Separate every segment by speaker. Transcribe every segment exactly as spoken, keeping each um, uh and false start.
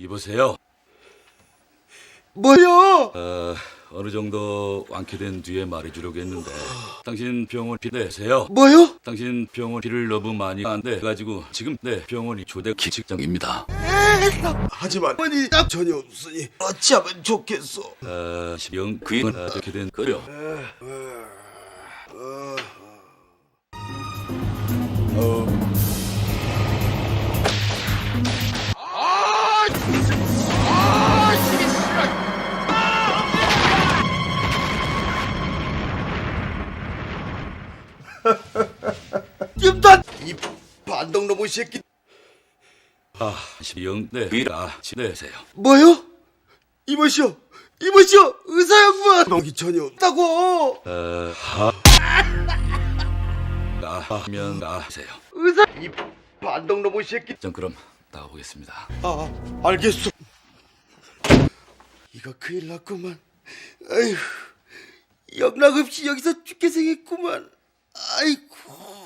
Speaker 1: 이보세요.
Speaker 2: 뭐요?
Speaker 1: 어, 어느 정도 완쾌된 뒤에 말해주려고 했는데 당신 병원 비 내세요.
Speaker 2: 뭐요?
Speaker 1: 당신 병원 비를 너무 많이 안 내가지고 지금 내 병원이 조대 기직장입니다.
Speaker 2: 하지만 어머니 딱 전혀 없으니 어찌하면 좋겠어.
Speaker 1: 어, 영 그인 어떻게 된 거려?
Speaker 2: 김단 이 반동 로봇 새끼.
Speaker 1: 아, 영 네, 그이라 지내세요.
Speaker 2: 뭐요? 이보시오, 이보시오, 의사 양반. 동기 전혀 없다고.
Speaker 1: 어, 하, 가면 가세요.
Speaker 2: 의사 이 반동 로봇 새끼.
Speaker 1: 전 그럼 나가보겠습니다.
Speaker 2: 아, 알겠소. 이거 큰일 났구만. 아휴, 영락없이 여기서 죽게 생겼구만. 아이고.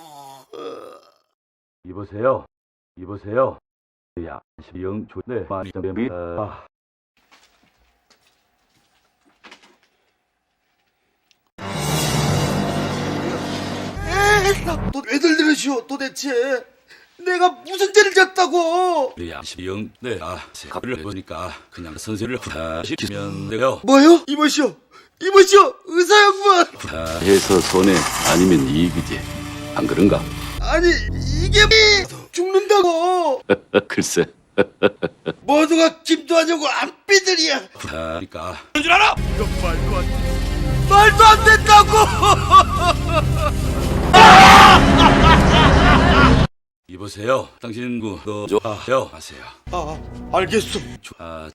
Speaker 1: 이보세요. 이보세요. 야, 영 조대 많이 정됩니다. 아.
Speaker 2: 에이, 또 왜들 들으시오 도대체. 내가 무슨 죄를 졌다고.
Speaker 1: 영 네, 아, 갑을 보니까 그냥 선생을 부탁시키면 돼요.
Speaker 2: 뭐요? 이보시오, 이보시오, 의사 양반.
Speaker 1: 해서 손해 아니면 이익이지. 안 그런가?
Speaker 2: 아니 이게 죽는다고.
Speaker 1: 글쎄.
Speaker 2: 모두가 김도하냐고 안삐들이야.
Speaker 1: 그러니까
Speaker 2: 줄 알아? 이건 말도 안 돼. 말도 안 된다고.
Speaker 1: 이보세요. 당신 그거 좋아요 하세요.
Speaker 2: 아, 알겠소.
Speaker 1: 아,